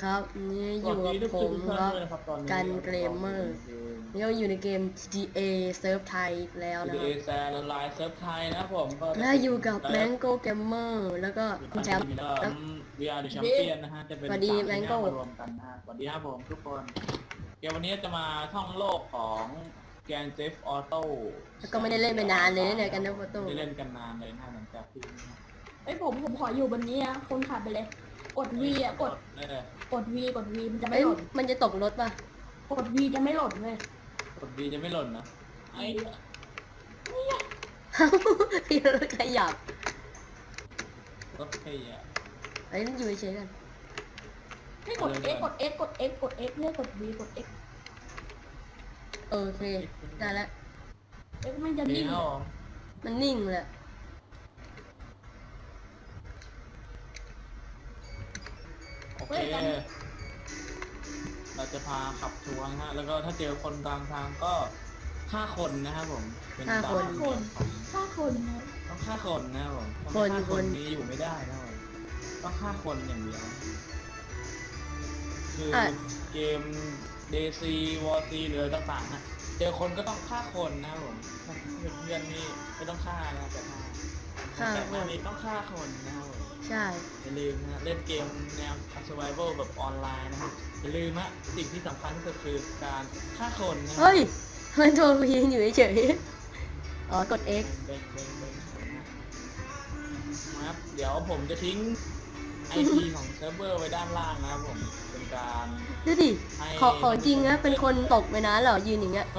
ครับนี่อยู่กับผมครับกันเกมเมอร์นี่ก็อยู่ในเกม GTA เซิร์ฟไทยแล้วนะค GTA รับแซนไลน์เซิร์ฟไทยนะครับผมก็และอยู่กับ Mango Gamer แล้วก็คุณแชมป์ครับ VR The Champion นะฮะจะเป็นสวัสดีสาม Mango มารวมกันนะฮะสวัสดีครับผมทุกคนเกมวันนี้จะมาท่องโลกของแกนเซฟออโต้แล้วก็ไม่ได้เล่นไปนานเลยนะเนี่ยกันนะโฟโต้ไม่ได้เล่นกันนานเลยนะหลังจากที่ไอ้ยผมขออยู่บนนี้นะคนขับไปเลย กด V อ่ะกดได้เลยกด V กด V มันจะไม่เอ้ยหล่นมันจะตกรถป่ะกด V จะไม่หล่นเลยกดดีจะไม่หล่นนะไอ้พี่รถขยับรถขยะไอ้นั่นอยู่เฉยๆกันให้กด X กด X กด X กด X เนี่ยกด V กด X โอเคได้แล้ว X มันจะดีนิ่งครับผมมันนิ่งเลยโอเคเราจะพาขับทัวร์นะฮะแล้วก็ถ้าเจอคนกลางทางก็ฆ่าคนนะครับผมเป็นฆ่าคนถ้าคนนะต้องฆ่าคนนะครับผมต้องคนฆ่าคนนี้อยู่ไม่ได้นะครับผมต้องฆ่าคนอย่างเดียวคืออ่ะเกม DC War C หรืออะไรต่างๆนะเจอคนก็ต้องฆ่าคนนะครับผมถ้าเพื่อนๆนี่ไม่ต้องฆ่านะแต่ถ้าฆ่าแต่คมาน นี้ต้องฆ่าคนนะครับผมใช่อย่าลืมนะเล่นเกมแนว survival แบบออนไลน์นะครับอย่าลืมนะสิ่งที่สำคัญที่สุดคือการฆ่าคนนะเฮ้ยมันโดนพีนอยู่เฉยๆอ๋อกด X เบ่งนะครับเดี๋ยวผมจะทิ้ง IP ของเซิร์ฟเวอร์ไว้ด้านล่างนะครับผมเป็นการดูดิของจริงนะเป็นคนตกไปนะเหรอยืนอย่างเงี้ย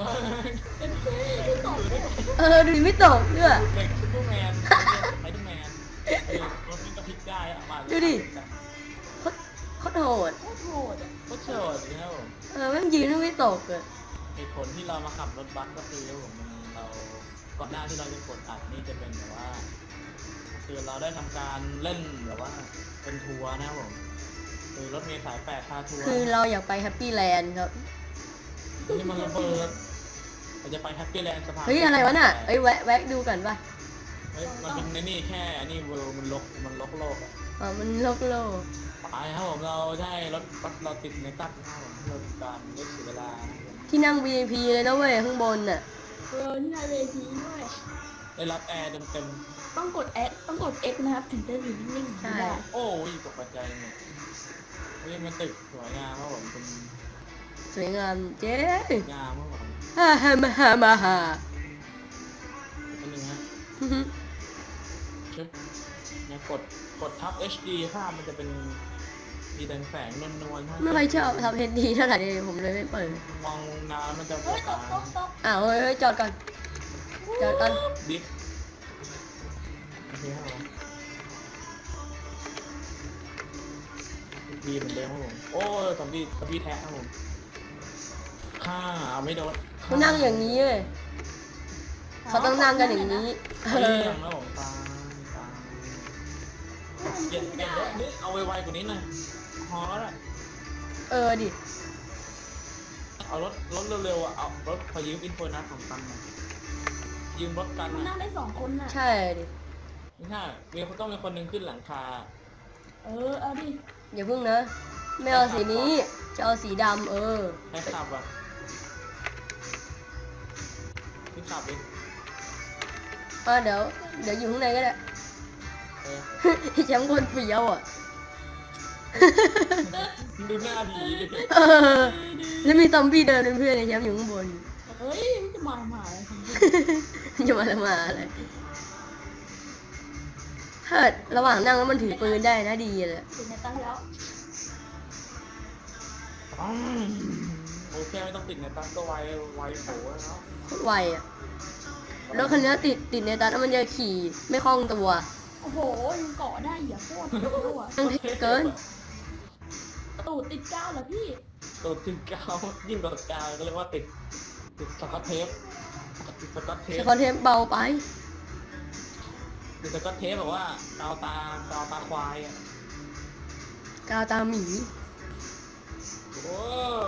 ดูดิไม่ตกด้วยเด็กซูเปอร์แมนไอรอนแมนรถนี่ก็พลิกได้อะมาดูดิ โคตรโหดโคตรโหดอ่ะก็เฉิดนะครับผมแม่งยืนไม่ตกเลยเหตุผลที่เรามาขับรถบัสก็คือผมเราก่อนหน้าที่เราจะกดอัดนี่จะเป็นแบบว่าคือเราได้ทำการเล่นแบบว่าเป็นทัวร์นะครับผมคือรถเมล์สาย8พาทัวร์คือเราอยากไปแฮปปี้แลนด์ครับนี่มันระเบิดเราจะไปแฮปปี้แลนด์สะพานเฮ้ยอะไรวะน่ะเอ้ยแวะดูกันป่ะเฮ้ยมันเป็นในนี่แค่อันนี้เวิร์มันลกโลกอะอ๋อมันโลกไปครับผมเราได้รถบัสเราติดในตัดนะครับผมเราติดการเล่นเสียเวลานะครับผมที่นั่ง VIP เลยนะเว้ยข้างบนน่ะนี่ในเวทีด้วยได้รับแอร์เต็มต้องกด X ต้องกด X นะครับถึงจะอยู่นิ่งๆใช่ได้ๆโอ้ยตกใจเนี่ยเฮ้ยมันตึกสวยงามครับผมเป็นสวยงามเจ๊งามครับผมฮ่ามาฮ่าอันนึงฮะชึบเนี่ยกดทับ HD ภาพมันจะเป็นมีแดงแสงนวลๆฮะไม่ค่อยชอบทำเฮดดีเท่าไหร่เลยผมเลยไม่เปิดมองน้ำมันจะปเฮ้วย ดตตากตกตกอ้าวเฮ้ยจอดก่อนจอดก่อนดิฟโอเคครับผมดีเหมือนเดิมครับผมโอ้ยซอมบี้แท้ครับผมฆ่าเอาไม่โดนเขานั่งอย่างนี้เลยเขาต้องนั่งกันอย่างนี้เฮ้ยอย่างแล้วผมตายเปลี่ยนรถนี่เอาไวๆกว่านี้หน่อยฮอแล้วดิเอารถเร็วๆอ่ะเอารถขอยืมอินโฟนัสของตันหน่อยยืมรถกันมันนะนั่งได้2 คนน่ะใช่ดิไม่ใช่ต้องมีคนหนึงขึ้นหลังคาเอาดิอย่าพึ่งนะไม่เอาสีนี้จะเอาสีดำให้ขับอ่ะพี่ขับเองเดี๋ยวอยู่ข้างในก็ได้เออแชมป์คนเปรี้ยวอ่ะดูหน้าผีดิแล้วมีซอมบี้เดินเป็นเพื่อนในแชมป์อยู่ข้างบนเฮ้ยมันจะมาอะไรของมึงจะมาทำไมอะไรถ้าระหว่างนั่งแล้วมันถือปืนได้นะดีเลยถึงในตั้งแล้วโอเคไม่ต้องติดในตันก็ไวโผล่แล้วไวอ่ะรถคันนี้ติดในตันแล้วมันจะขี่ไม่คล่องตัวโอ้โหยังเกาะได้อย่าโคตรเยอะอ่ะตั้งเทเกินตูดติดก้าวเหรอพี่ติดกาวยิ่งกว่ากาวก็เรียกว่าติดสก๊อตเทปติดสก๊อตเทแต่ปคอนเทนต์เบาไปติดสก๊อตเทปแบบว่ากาวตาควายอ่ะกาวตาหมีโว้วน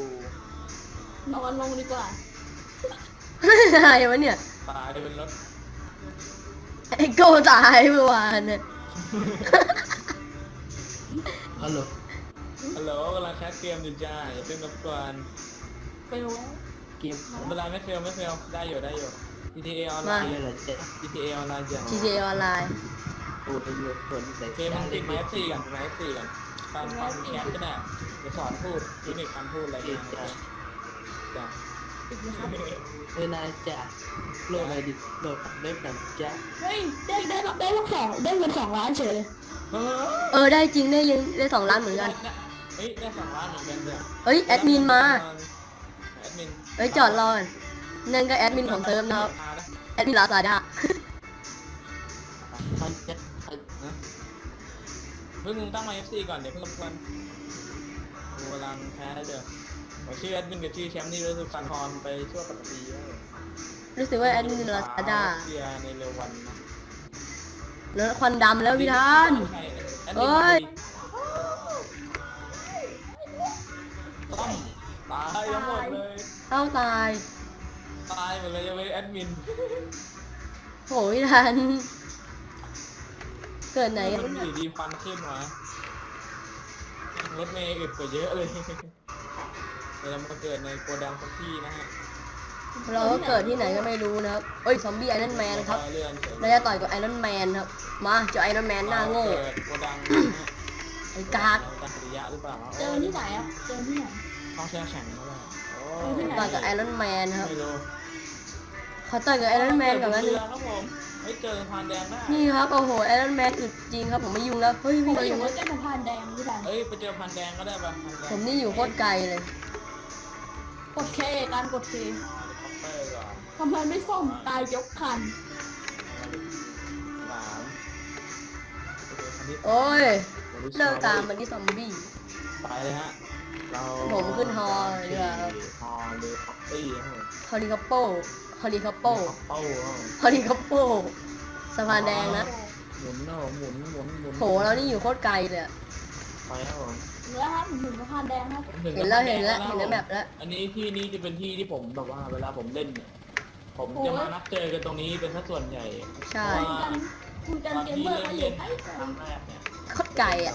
อนลงดีกว่าอะไรวะเนี่ยตายเป็นรถไอ้โก้ตายเมื่อวานเนี่ยฮัลโหลฮัลโหลกำลังแคสเกมอยู่จ้าอย่าเพิ่งรบกวนเฟลแล้วเกมเวลาไม่เฟลได้อยู่GTA ออนไลมาน์เลยเหรอเจ๊ GTA ออนไลน์จ้ะ GTA ออนไลน์โอ้ยเยอะคนใส่เกมมันติดไม้ F4 กันไม้ F4 กันฟังแคสก็ได้เดี๋ยวสอนพูดเทคนิคการพูดอะไรเกเงี้มยจะจ้ะติดนะครับเวลาจะโหลดอะไรดิโหลดเล่นหนังจ๊ะเฮ้ยได้ทั้ง2ได้เงิน2 ล้านเฉยเลยได้จริงได้2 ล้านเหมือนกันเฮ้ยได้2 ล้านเหมือนกันจ้ะเฮ้ยแอดมินมาแอดมินเฮ้ยจอดรอก่อนนั่นก็แอดมินของเซิร์ฟนะครับแอดมินลาซาด้าท่านจะเพิ่งตั้งไมค์ FC ก่อนเดี๋ยวเพิ่งรบกวนกูกำลังแพ้เดี๋ยวชื่อแอดมินกับชื่อแชมป์นี่รู้สึกสั่นคลอนไปชั่วปกติแล้วรู้สึกว่าแอดมินลาซาด้าเชียร์ในเร็ววันนะแล้วควันดำแล้วพี่ทาน เฮ้ยต้อมตายทั้งหมดเลยเต้าตายตายหมดเลยยังไม่แอดมินโหพี่ทานเกิดไหนกันมันอยู่ดีฟันขึ้นมารถเมย์อึดกว่าเยอะเลยเดี๋ยวเรามาเกิดในโกดังสักที่นะฮะเราก็เกิดที่ไหนก็ไม่รู้นะครับเอ้ยซอมบี้ไอรอนแมนครับเลื่อนเฉยเราจะต่อยกับไอรอนแมนครับมาเจอไอรอนแมนหน้าโง่เกิดโกดังนะฮะไอ้กากเราจะสุริยะหรือเปล่าเจอที่ไหนอ่ะเจอที่ไหนห้องแช่แข็งหรือเปล่าโอ้ต่อยกับไอรอนแมนครับไม่รู้ขอต่อยกับไอรอนแมนกับนั้นเรือครับผมเฮ้ยเจอสะพานแดงได้นี่ครับโอ้โหไอรอนแมนอึดจริงครับผมไม่ยุ่งแล้วเฮ้ยผมพี่อมายู่ยุ่งใกล้สะพานแดงพี่ดันเฮ้ยไปเจอพันแดงก็ได้ป่ะพันแดงผมนี่อยู่โคตรไกลเลยกดเคการกดเคคอปเตอร์ก่อนทำไมไม่ส่งตายยกคันสามโอ้ยเลิกตามมันที่ซอมบี้ไปเลยฮะเราผมขึ้นฮอเลยดีกว่าครับฮอหรือคอปตี้ครับผมฮอลิคอปโปฮอลิคอปโปเป้าครับผมฮอลิคอปโปสะพานแดงนะหมุนนะผมหมุนโหเรานี่อยู่โคตรไกลเลยอะไปครับผมแล้วครับถึงสะพานแดงครับเห็นแล้วเห็นแล้วแบบแล้วอันนี้ที่นี่จะเป็นที่ที่ผมแบบว่าเวลาผมเล่นเนี่ยผมจะมานัดเจอกันตรงนี้เป็นสัดส่วนใหญ่ใช่เพราะว่าคุณกันตอนเกมที่เมอร์เริ่ก็มอเล่ยู่นใกล้ครั้งแรกเนี่ยโคตรไกลอ่ะ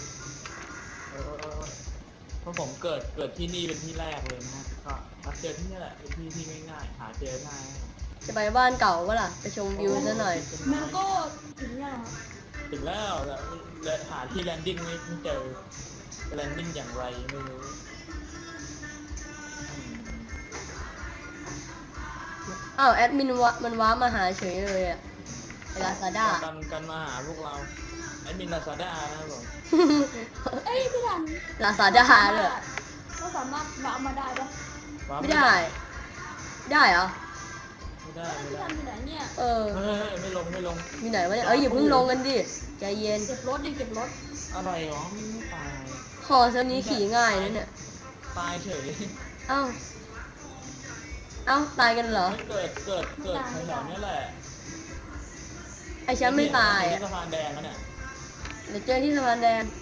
เพราะผมเกิดที่นี่เป็นที่แรกเลยนะฮะก็นัดเจอที่นี่แหละเป็นที่ที่ง่ายๆหาเจอง่ายจะไปบ้านเก่าก็ล่ะไปชมวิวซะหน่อยแมวก็ถึงยังครับถึงแล้วแต่หาที่แลนดิ้งไม่เจอแลนดิ้งอย่างไรไม่รู้อ้าวแอดมินวะมันว้าร์ปมาหาเฉยเลยอ่ะลาซาด้ากันมาหาพวกเราแอดมินลาซาด้านะครับผมเอ้ยพี่ดันลาซาด้าเลยอะก็สามารถมาเอามาได้ปะว้าไม่ได้ ได้เหรอไม่ได้ไม่พี่ได้ดันอยู่ไหนเนี่ยเออเฮ้ยไม่ลงมีไหนวะเนี่ยอย่าเพิ่งลงกันดิใจเย็นเก็บรถดิเก็บรถอะไรหรอไม่ตายคอเซิร์ฟนี้ขี่ง่ายนะเนี่ยตายเฉยเอ้าเอ้าตายกันเหรอไม่เกิดแถวๆนี้แหละไอแชมป์ไม่ตายที่อะสะพานแดงแล้วเนี่ยเดี๋ยวเจอที่สะพานแดง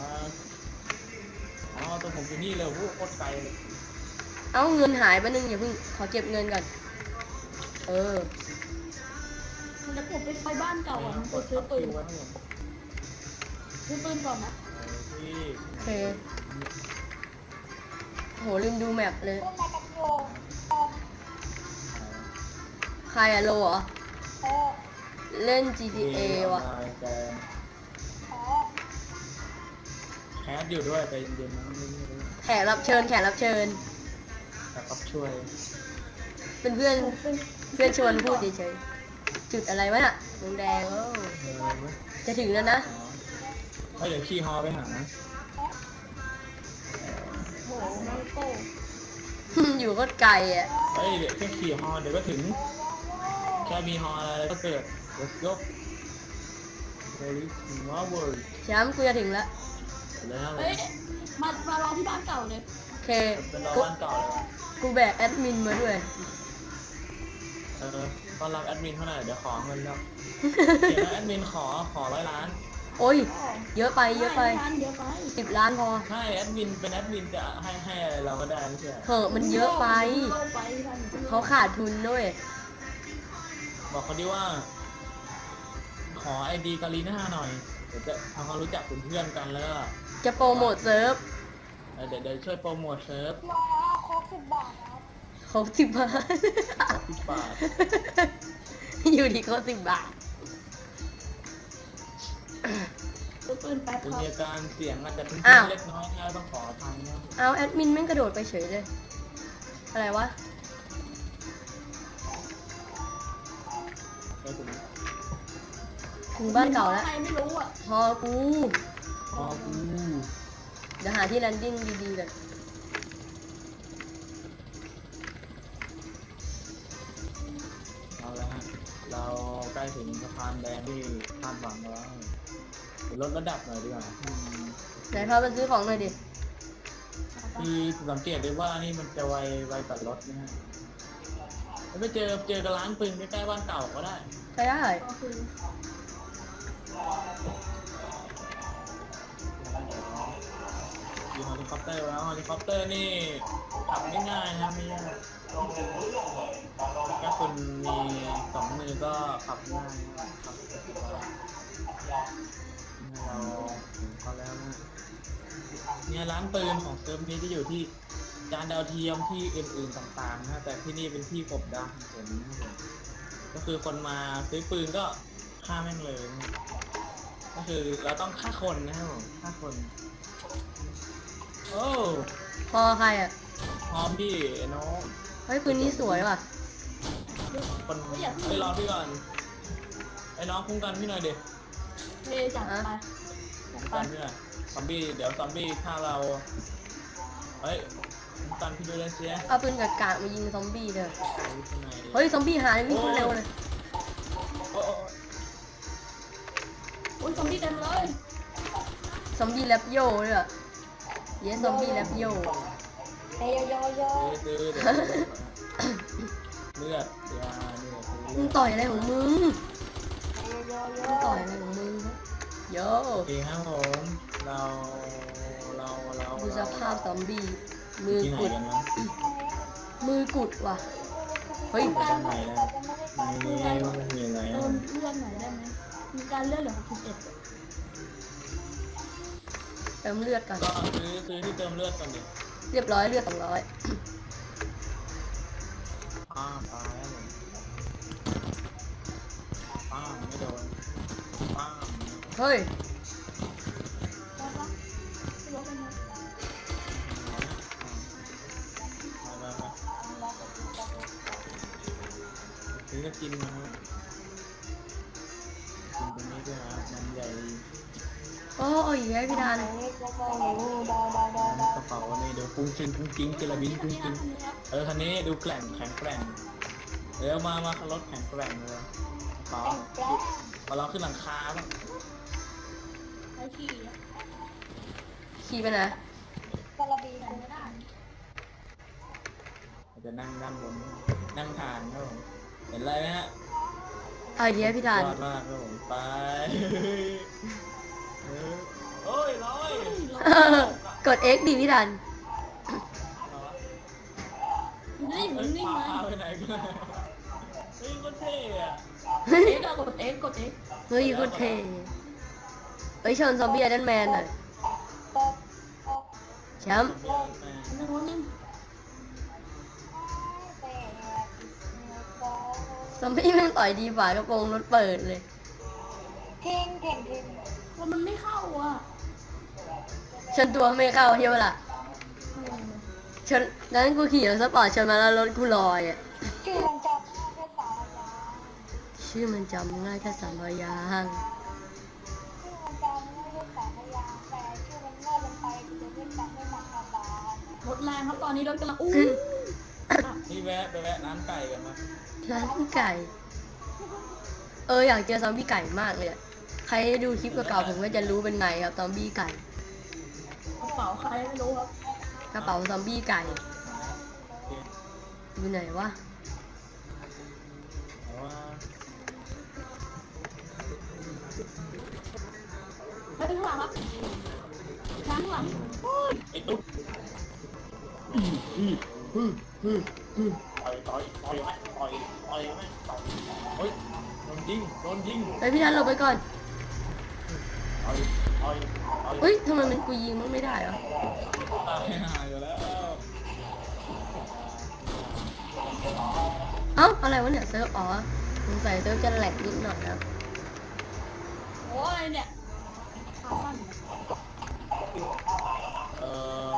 อ๋อตัวผมอยู่นี่เลยโคตรไกลเลยเอ้าเงินหายไปนึงอย่าเพิ่งขอเก็บเงินก่อนเออเดี๋ยวผมไปบ้านเก่าอ่ะไปซื้อปืนซื้อปืนก่อนนะที่โอเคโหลืมดูแมปเลย ใครอะโลเหรอ เล่น GTA ว่ะแคสอยู่ด้วยไปเย็นๆนะไม่รู้แขกรับเชิญแต่ครับช่วยเป็นเพื่อนชวนพูดเฉยๆจุดอะไรวะน่ะแดงๆโอ้จะถึงแล้วนะก็เดี๋ยวขี่ฮอไปหาโอ้โหมาริโก้อยู่โคตรไกลอ่ะเฮ้ยเดี๋ยวแค่ขี่ฮอเดี๋ยวก็ถึงแค่มีฮออะไรก็เกิด let's go police norway แชมป์กูจะถึงแล้วแล้วเฮ้ยมารอที่บ้านเก่าเลยโอเคเป็นเรากูบ้านเก่าเลยกูแบกแอดมินมาด้วยตอนรับแอดมินเท่าไหร่เดี๋ยวขอเงินแล้วเดี๋ยวแอดมินขอ100 ล้านโอ้ยเยอะไปเยอะไปม่ทันเยอะไป 10 ล้านพอใช่แอดมินเป็นแอดมินจะให้อะไรเราก็ได้ไม่ใช่เถอะมันเยอะไปโลกไปทันเขาขาดทุนด้วยบอกเขาดิว่า ขอไอดีกาลีน่าหน่อยเดี๋ยวจะทำความรู้จักเป็นเพื่อนกันแล้วก็จะโปรโมทเซิร์ฟเดี๋ยวช่วยโปรโมทเซิร์ฟรอครบ10 บาทครับครบ10 บาท 10 บาทอยู่ดีก็10 บาทซื้อปืนแป๊บจะครับมีอาการเสียงอาจจะเป็นอ้าวเล็กน้อยนะต้องขออภัยนะเอาแอดมินแม่งกระโดดไปเฉยเลย อะไรวะได้ถึงถึงบ้านเก่าแล้วใครไม่รู้อ่ะพอกูพอกูเดี๋ยวหาที่แลนดิ้งดีๆกันเอาละฮะเราใกล้ถึงสะพานแดงที่คาดหวังแล้วเดี๋ยวลดระดับหน่อยดีกว่าไหนพาไปซื้อของหน่อยดิคือสังเกตได้ว่านี่มันจะไวตัดรถนะฮะแล้วไปเจอกับร้านปืนใกล้ๆบ้านเก่าก็ได้ใช้ได้ก็คือมีเฮลิคอปเตอร์แล้วเฮลิคอปเตอร์นี่ขับง่ายๆนะไม่ยากถ้าคุณมี2 มือก็ขับง่ายขับสบายเราถึงเขาแล้วนะเนี่ยร้านปืนของเซิร์ฟนี้จะอยู่ที่จานดาวเทียมที่อื่นๆต่างๆนะแต่ที่นี่เป็นที่กบดานของผมนะครับผมก็คือคนมาซื้อปืนก็ฆ่าแม่งเลยนะก็คือเราต้องฆ่าคนนะครับผมฆ่าคน โอ้พอใครอ่ะพร้อมพี่ไอ้น้องเฮ้ยปืนนี้สวยว่ะคนไปรอพี่ก่อนไอ้น้องคุ้มกันพี่หน่อยดิเทจัดไปจัดคุ้มไปกันพี่หน่อยซอมบี้เดี๋ยวซอมบี้ฆ่าเราเฮ้ยคุ้มกันพี่ด้วยนะเชียเอาปืนกากๆมายิงซอมบี้เด้อข้างในเฮ้ยซอมบี้หายวิ่งคนเร็วเลยโอ้อุ้ยซอมบี้เต็มเลยซอมบี้แรปโย่เลยอ่ะเยสซอมบี้แรปโย่เฮ้ยโยโย่ซื้อเลือดยาเลือดมึงต่อยอะไรของมึงโยโย่มึงต่อยอะไรของมึงโย่โอเคครับผมเราดูสภาพซอมบี้มือที่ไหนกุดกันวะมือกุดว่ะเฮ้ยไปทางไหนแล้วนี่ไม่มีอะไรเติมเลือดหน่อยได้ไหมมีการเลือดเหลือ61 เติมเลือดก่อนก็ซื้อที่เติมเลือดก่อนดิเรียบร้อยเลือด200 ตายแล้วผมไม่โดนป้ามเฮ้ยได้ปะรถกันนะซื้อก็กินนะกินตรงนี้ด้วยนะมันใหญ่โอ้ยแย่พี่ดานกระเป๋านี่เดี๋ยวปุ้งกิ้งเจลาบินปุ้งกิ้งคันนี้ดูแข็งแกร่งเดี๋ยวมารถแข็งแกร่งเลยกระเป๋ามาลองขึ้นหลังคาบ้างไอ้ขี่อะขี่ไปนะกระบี่กันไม่ได้จะนั่งด้านบนนั่งทานครับผมเห็นอะไรไหมฮะเอาอีกแล้วพี่ดานยอดมากครับผมไปโอ้ยร้อยกด X ดิพี่ดานมันได้อยู่นิ่งๆพาเลยไปไหนกันเฮ้ยก็เท่อะเอ็กซ์อะกด X กด X เฮ้ยโคตรเท่เฮ้ยชนซอมบี้ไอรอนแมนหน่อยแชมป์นึงนึงซอมบี้แม่งต่อยดีฝ่ากระโปรงรถเปิดเลยว่ามันไม่เข้าอ่ะชนตัวไม่เข้าใช่ไหมล่ะชนนั้นกูขี่รถสปอร์ตชนมาแล้วรถกูลอยอ่ะชื่อมันจำง่ายแค่3 พยางค์รถแรงครับตอนนี้รถกำลังอู้นี่แวะร้านไก่กันมาร้านไก่ อยากเจอซอมบี้ไก่มากเลยอะใครดูคลิปเก่าๆผมก็จะรู้เป็นไงครับซอมบี้ไก่กระเป๋าใครไม่รู้ครับกระเป๋าซอมบี้ไก่อยู่ไหนวะแต่ว่าไปข้างหลังครับข้างหลังโอ้ยไอ้ตุ๊กต่อยไหมเฮ้ยโดนยิงไปพี่ทันหลบไปก่อนต่อยเอาอีกเอาอีกเฮ้ยทำไมมันกูยิงมันไม่ได้เหรอตายหายอยู่แล้วเอ้าอะไรวะเนี่ยเซิร์ฟอ๋อสงสัยเซิร์ฟจะแหลกนิดหน่อยนะโอ้ยเนี่ยขาสั้นเอ่อ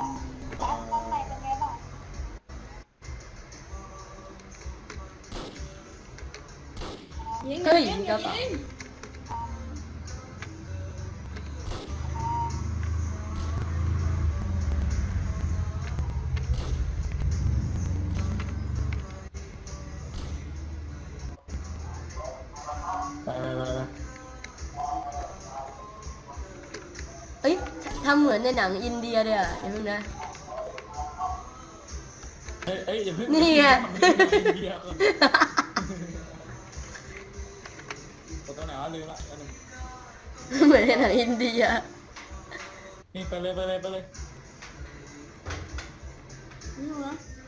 ยิงเฮ้ยยิงมีกระเป๋ายิงไปเอ้ยทำเหมือนในหนังอินเดียเลยอ่ะเห็นไหมนะเฮ้ยเอ้ยอย่าเพิ่งนี่ไงเดียวก่อนตัวไหนวะลืมละอันหนึ่งเหมือนในหนังอินเดียนี่ไปเลยไปเลยไปเลยนี่ดูนะ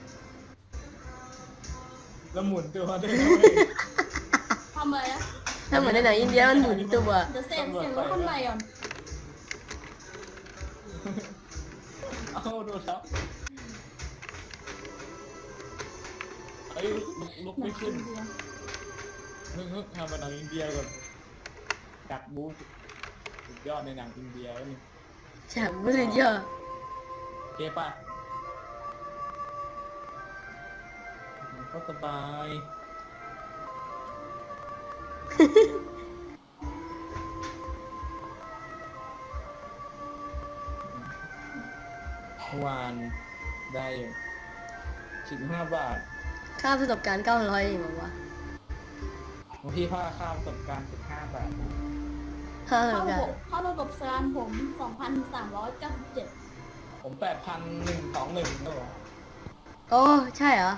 แล้วหมุนตัวด้วยทำอะไรนะถ้าเหมือนในหนังอินเดียมันหมุนตัวเดี๋ยวเสียงรถข้างในก่อนเอาดูครับเอ้ยลุกไม่ขึ้นฮึกทำเป็นหนังอินเดียก่อนกัดบู๊สุดยอดในหนังอินเดียแล้วนี่ฉากมืดเยอะเก็บป่ะก็สบาย วานได้อยู่15 บาทค่าประสบการณ์900เองเหรอวะบางทีค่าข้าวประสบการณ์15 บาทนะค่าประสบการณ์เข้าระบบสารผม 2,397 ผม8,121แล้วเหรอโอ้ใช่เหรอ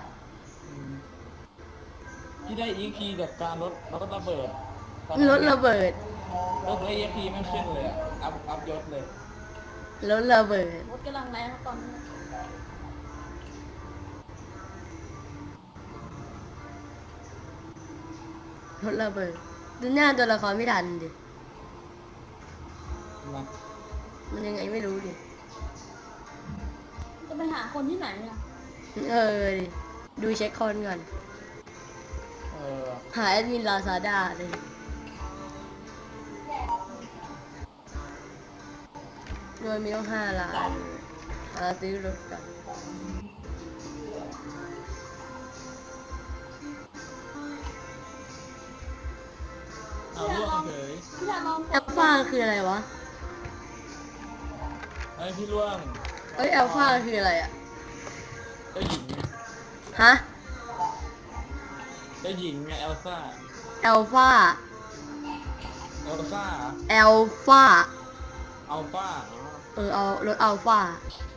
ที่ได้ EP จากการรถแล้วก็ระเบิดรถระเบิดรถ EP ไม่ขึ้นเลยอะอัพยศเลยรถระเบิดรถกำลังแรงครับตอนนี้รถระเบิดดูหน้าตัวละครไม่ทันดินะมันยังไงไม่รู้ดิจะไปหาคนที่ไหนอ่ะเออดิดูเช็คคนก่อนเออหาแอดมินลาซาด้าเลยโดยมีต้อง5 ล้านหาซื้อรถกันเอาล่วงเฉยพี่อยากลองแอลฟาคืออะไรวะไอ้ยพี่ล่วงเอ้ยแอลฟาคืออะไรอะเจ้าหญิงไงฮะเจ้าหญิงไงเอลซ่าแอลฟาเอลซ่าแอลฟาอัลฟาเอารถอัลฟา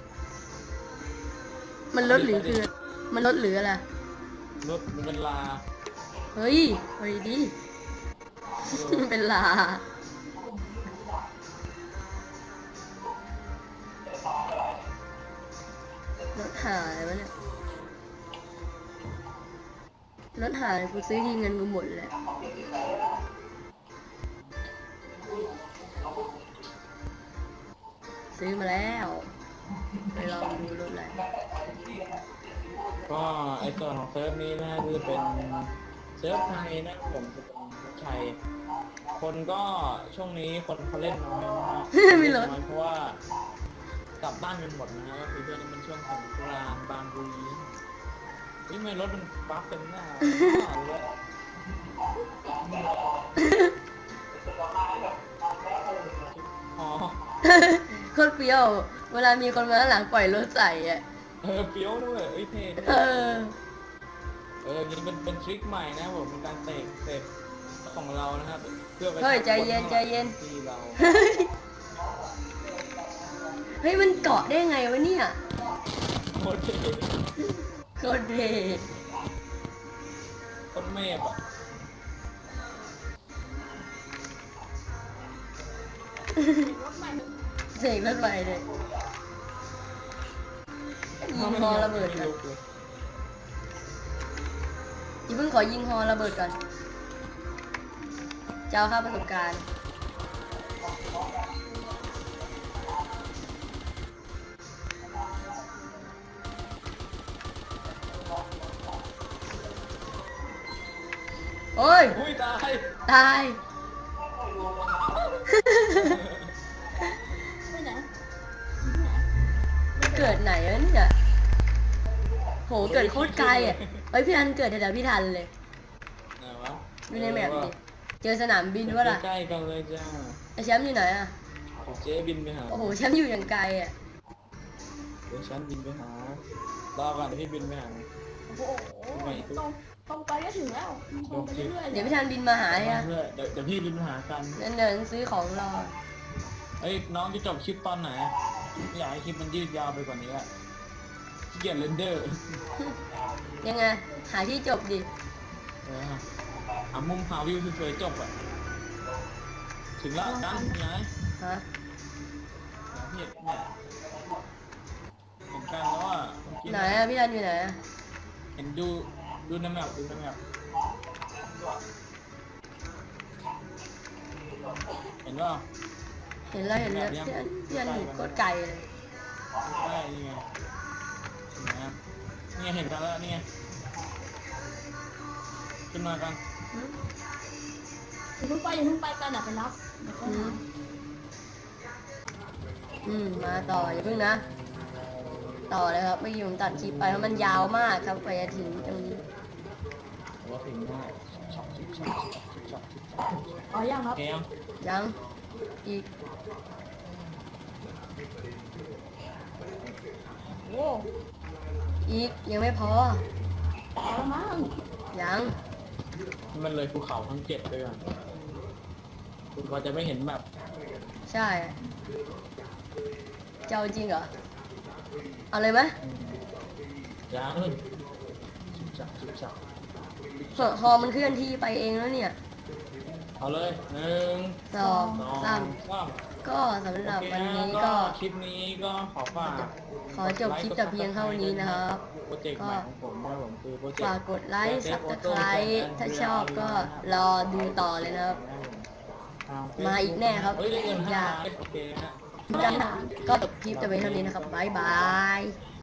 มันรถหรือคือ มันรถหรืออะไรรถมันเป็นลาเฮ้ยเฮ้ยดิ มันเป็นลา รถหายวะเนี่ย รถหายกูซื้อทีเงินกูหมดแหละ ซื้อมาแล้วไปลองดูรถอะไรก็ไอส่วนของเซิร์ฟนี้นะคือเป็นเซิร์ฟไทยนะผมจะเป็นเซิร์ฟไทยคนก็ช่วงนี้คนเขาเล่นน้อยนะฮะไม่รถน้อยเพราะว่ากลับบ้านกันหมดนะฮะก็คือช่วงนี้มันช่วงสงกรานต์บางบุรีนี่ไม่รถมันบัฟเต็มหน้าเลย อ๋อโคตรเปรี้ยว เวลามีคนมาด้านหลังปล่อยรถใส่อ่ะเปรี้ยวด้วยเอ้ยเท่ด้วยเออนี่เป็นทริคใหม่นะผมเป็นการเตะของเรานะครับเพื่อไปเฮ้ยใจเย็นใจเย็นที่เราเฮ้ยมันเกาะได้ไงวะเนี่ยโคตรเท่โคตรเท่โคตรเมฟอ่ะรถใหม่เสกรถไฟเลยยิงฮอระเบิดก่อนลุกเลยอย่าเพิ่งขอยิงฮอระเบิดก่อนจะเอาค่าประสบการณ์โอ้ยอุ้ยตายตายไปไหนเกิดไหนวะเนี่ยโหเกิดโคตรไกลอ่ะเฮ้ยพี่ทันเกิดแถวๆพี่ทันเลยไหนวะดูในแมปดิเจอสนามบินวะล่ะใกล้ๆกันเลยจ้าไอแชมป์อยู่ไหนอ่ะเจ๊บินไปหาโอ้โหแชมป์อยู่อย่างไกลอ่ะเดี๋ยวฉันบินไปหารอก่อนเดี๋ยวพี่บินไปหาโอ้โหตรงไปก็ถึงแล้วตรงไปเรื่อยๆเดี๋ยวพี่ทันบินมาหาอ่ะเดี๋ยวพี่บินไปหากันนั่นเดินซื้อของรอเอ้ยน้องจะจบคลิปตอนไหนไม่อยากให้คลิปมันยืดยาวไปกว่านี้ละขี้เกียจเรนเดอร์ยังไงหาที่จบดิหามุมหาวิวสวยๆจบอ่ะถึงแล้วกันยังไงฮะเนี่ยเห็นกันแล้วอ่ะเมื่อกี้ไหนอ่ะพี่ทันอยู่ไหนอ่ะเห็นดูในแมปเห็นว่าเห็นแล้วเห็นแล้วพี่ทันอยู่โคตรไกลเลยใช่นี่ไงนี่ไงเห็นกันแล้วนี่ไงขึ้นมากันอย่าเพิ่งไปกันอ่ะไปรับมาต่ออย่าเพิ่งนะ ต่อเลยครับเมื่อกี้ผมตัดคลิปไปเพราะมันยาวมากครับไปจะถึงตรงนี้ว่าถึงได้อ๋อยังครับแกงยังอีกโอ้อีกยังไม่พอพอแล้วมั้งยังมันเลยภูเขาทั้ง7เลยอ่ะคุณพอจะไม่เห็นแบบใช่เจ้าจริงเหรอเอาเลยไหมยางเลยจับฮอมันเคลื่อนที่ไปเองแล้วเนี่ยเอาเลย1 สอง 2 สาม 3 ก็สำหรับวันนี้ก็คลิปนี้ก็ขอฝากขอจบคลิปแต่เพียงเท่านี้นะครับโปรเจกต์ใหม่ของผมนะผมคือโปรเจกฝากต์กดไลค์ซับสไครต์ถ้าชอบก็รอดูต่อเลยนะครับ มาอีกแน่ครับเฮ้ยได้เงินอย่า 5โอเคนะก็จบคลิปแต่เพียงเท่านี้นะครับบ๊ายบาย